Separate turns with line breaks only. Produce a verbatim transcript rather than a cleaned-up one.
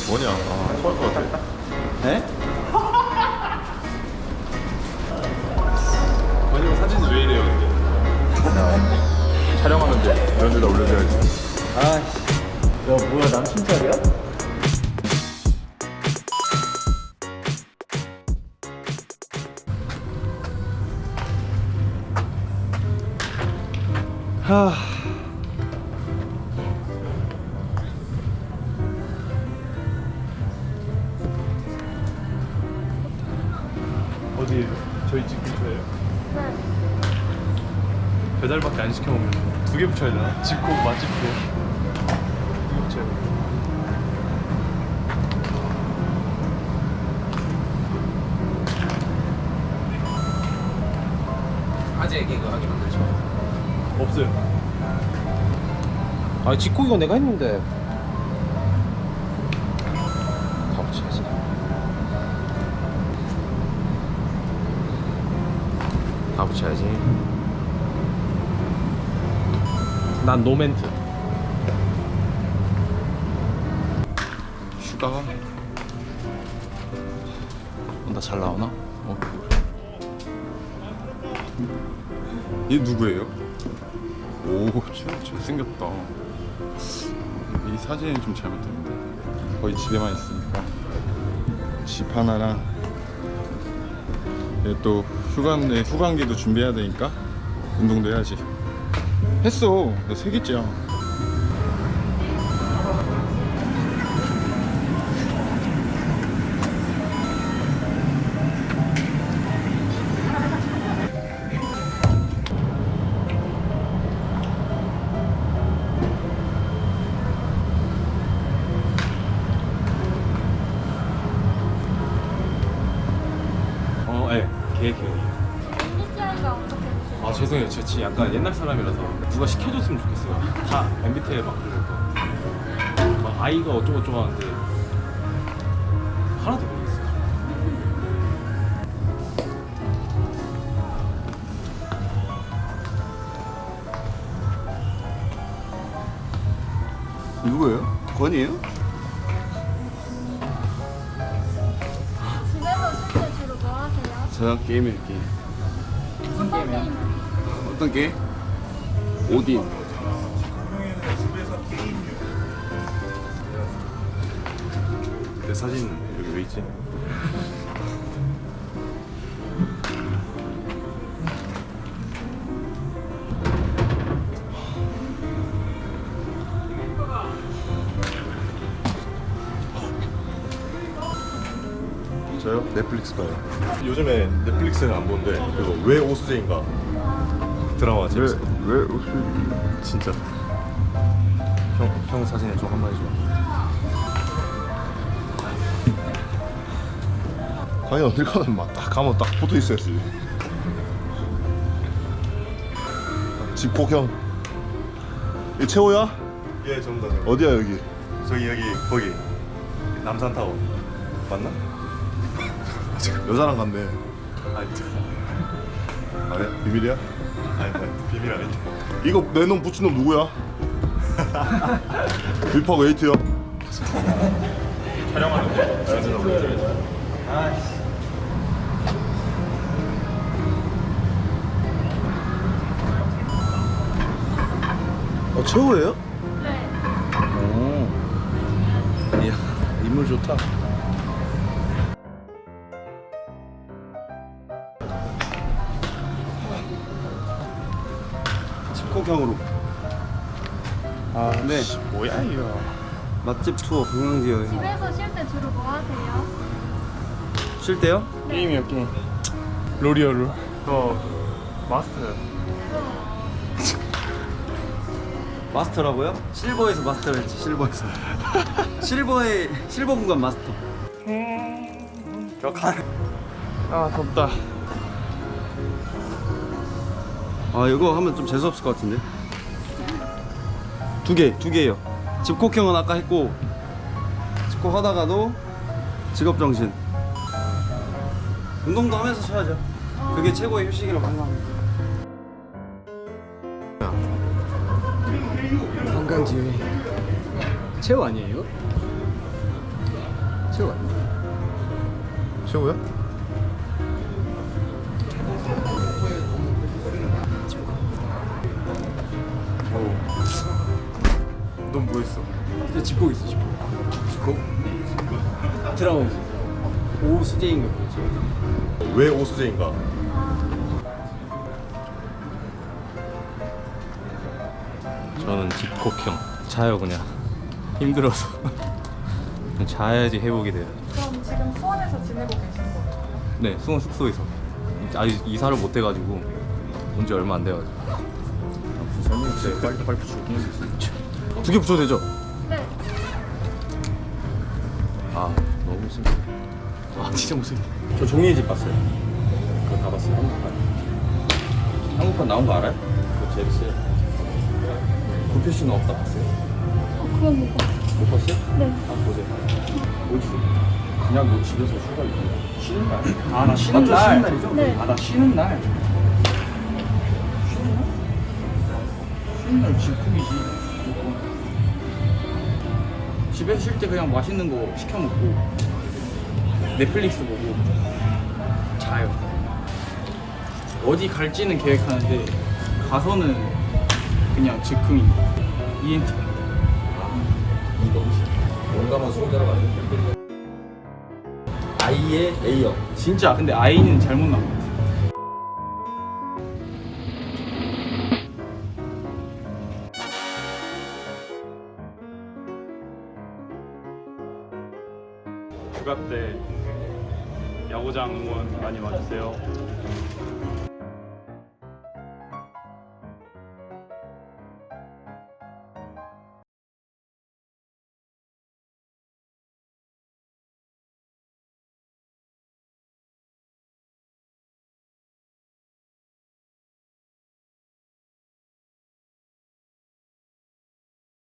뭐냐? 아, 토할 것 같아.
네?
권이형 사진이 왜 이래요, 근데? 촬영하는데 이런 데다 올려줘야지.
아씨. 야, 뭐야, 남친 자리야? 하.
어디 저희 집 근처에요? 네. 배달밖에 안 시켜 먹는 두 개 붙여야 되나? 집콕 맛집콕 두 개 붙여야 돼.
아재 개그 하게 만들죠.
없어요.
아, 직코기가 내가 했는데. 다 붙여야지. 다 붙여야지. 난 노멘트.
슈가가 나 잘 나오나? 어. 얘 누구예요? 오, 잘생겼다. 이 사진이 좀 잘못됐는데 거의 집에만 있으니까 집 하나랑 얘 또 휴가인데 휴강기도 준비해야 되니까 운동도 해야지. 했어. 나 세 개째야. 어, 예. 개, 개.
엠비티아이가 어떻게 되세요?
아, 죄송해요. 저 진짜 약간 옛날 사람이라서 누가 시켜줬으면 좋겠어요. 다 엠비티아이 막 그러고 막 아이가 어쩌고저쩌고 하는데 하나도 모르겠어요.
누구예요? 권이에요?
집에서 쉴 때 주로 뭐 하세요?
저 게임이에요, 게임.
어떤 게임?
어떤 게임? 오딘.
내 사진 여기 왜 있지? 저요? 넷플릭스 봐요. 요즘에 넷플릭스는 안 보는데 그거 왜 오수재인가 드라마 재밌어. 왜, 왜 오수재? 진짜. 형, 형 사진에 좀 한번 해줘.
과연 어딜 가든 막 딱 가면 딱 붙어 있어야지. 집콕형. 이 최호야?
예, 전부 다.
어디야 여기?
저기 여기 거기 남산타워 맞나?
여자랑 갔네.
아니
아니야? 비밀이야?
아니 아니, 비밀 아닌데.
이거 내 놈 붙인 놈 누구야? 빌퍼 웨이트요.
촬영하는데 사진을 올려줘야지.
어, 최호예요?
네.
오. 이야, 인물 좋다. 집콕형으로. 아, 네.
뭐야 이거?
맛집 투어 관광지여행.
집에서 쉴 때 주로 뭐 하세요?
쉴 때요?
게임이요 게임. 롤이요 롤. 저 마스터요.
마스터라고요? 실버에서 마스터를 했지, 실버에서. 실버의 실버 공간 마스터.
아 덥다.
아, 이거 하면 좀 재수 없을 것 같은데. 두 개, 두 개요. 집콕형은 아까 했고, 집콕 하다가도 직업 정신. 운동도 하면서 쉬어야죠. 그게 최고의 휴식이라고 생각합니다. 관광지 최호 아니에요?
채호 아니야? 채호야?
넌 뭐했어? 근데 집콕 있어 집콕. 집콕? 드라마지. 오수재인가 그렇지.
왜 오수재인가? 저는 집콕형. 자요 그냥. 힘들어서. 자야지 회복이 돼요.
그럼 지금 수원에서 지내고 계신 거예요?
네, 수원 숙소에서. 아직 이사를 못 해가지고 온 지 얼마 안 돼가지고.
네, 빨리 빨리 붙여. 두 개 붙여도 되죠?
네.
아, 너무 무섭다.
아 진짜 무슨.
저 종이의 집 봤어요. 그거 다 봤어요. 한국판.
한국판 나온 거 알아요?
그거 재밌어요.
구표씨는 없다 봤어요.
어, 그건 못 봤어요.
못 봤어요?
네.
한번 보세요. 뭐지? 그냥 뭐 집에서 휴가 있고 쉬는 날?
아 나 쉬는 날. 쉬는 날이죠?
네.
아 나 쉬는 날. 쉬는 날? 쉬는 날 집콕이지. 집에서 쉴 때 그냥 맛있는 거 시켜 먹고 넷플릭스 보고 자요. 어디 갈지는 계획하는데 가서는 그냥 즉흥이 이엔티.
용감한 수호자라고 하죠. 아이의 A형.
진짜 근데 아이는 잘못 나온 것 같아.
휴가 때 야구장 응원 많이 와주세요.